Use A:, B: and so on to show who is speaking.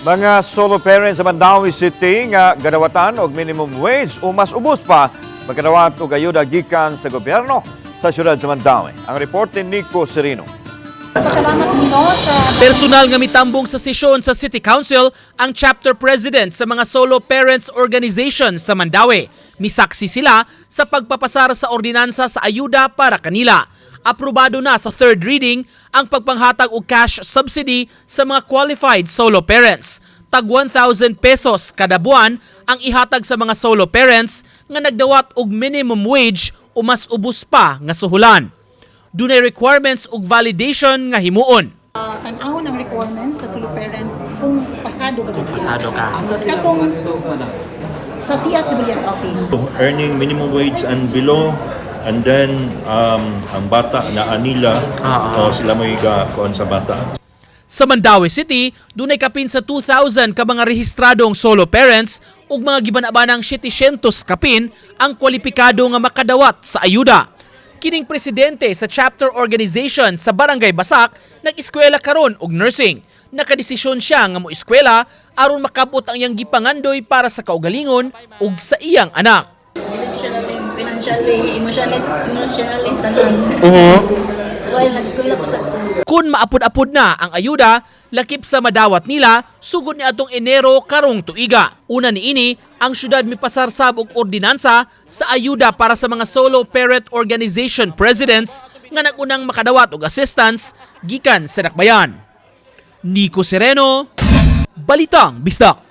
A: Mga solo parents sa Mandawi City nga gadawatan og minimum wage o mas ubos pa magkadawat og ayuda gikan sa gobyerno sa siyudad sa Mandawi. Ang report ni Nico Serino.
B: Pasalamat nino sa
C: Personal nga mitambong sa sesyon sa City Council ang chapter president sa mga solo parents organization sa Mandawi. Misaksi sila sa pagpapasara sa ordinansa sa ayuda para kanila. Aprobado na sa third reading ang pagpanghatag og cash subsidy sa mga qualified solo parents. Tag 1,000 pesos kada buwan ang ihatag sa mga solo parents nga nagdawat og minimum wage o mas ubos pa nga suhulan. Dunay requirements ug validation nga himuon.
B: tan-awon ang requirements sa solo parent kung pasado ba gid sila.
C: Pasado ka.
B: Katong sa CSWS office.
D: Earning minimum wage and below, and then ang bata na anila o sila may kuan sa bata.
C: Sa Mandawi City, dunay kapin sa 2,000 ka mga rehistradong solo parents ug mga gibanabanang 700 kapin ang kwalipikado nga makadawat sa ayuda. Kining presidente sa chapter organization sa Barangay Basak nag-eskwela karon og nursing. Nakadesisyon siya nga moeskwela aron makabot ang iyang gipangandoy para sa kaugalingon ug sa iyang anak.
E: Financially, emotionally, tanan. Well, nag-eskwela pa sa
C: Kung maapod-apod na ang ayuda, lakip sa madawat nila, sugod ni atong Enero karong tuiga. Una niini, ang syudad mipasarsab og ordinansa sa ayuda para sa mga solo parent organization presidents nga nagunang makadawat og assistance gikan sa dakbayan. Nico Sereno, Balitang Bisdak.